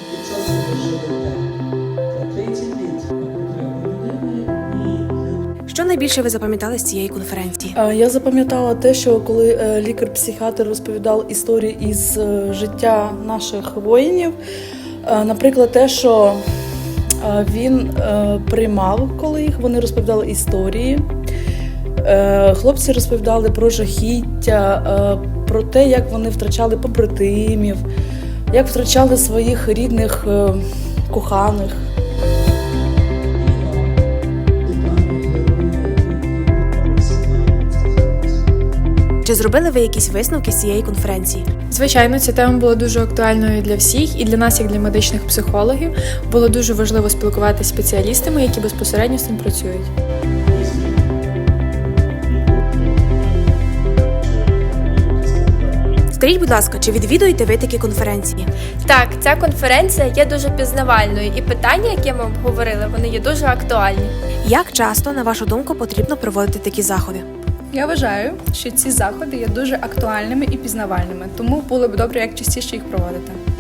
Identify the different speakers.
Speaker 1: Яким часом ви живете? Це 30 літ потреби людини і
Speaker 2: Що найбільше ви запам'ятали з цієї конференції?
Speaker 3: Я запам'ятала те, що коли лікар-психіатр розповідав історії із життя наших воїнів, наприклад, те, що він приймав, коли вони розповідали історії. Хлопці розповідали про жахіття, про те, як вони втрачали побратимів, як втрачали своїх рідних коханих.
Speaker 2: Чи зробили ви якісь висновки з цієї конференції?
Speaker 4: Звичайно, ця тема була дуже актуальною для всіх, і для нас, як для медичних психологів, було дуже важливо спілкуватися з спеціалістами, які безпосередньо з цим працюють.
Speaker 2: Скажіть, будь ласка, чи відвідуєте ви такі конференції?
Speaker 5: Так, ця конференція є дуже пізнавальною, і питання, які ми обговорили, вони є дуже актуальні.
Speaker 2: Як часто, на вашу думку, потрібно проводити такі заходи?
Speaker 6: Я вважаю, що ці заходи є дуже актуальними і пізнавальними, тому було б добре як частіше їх проводити.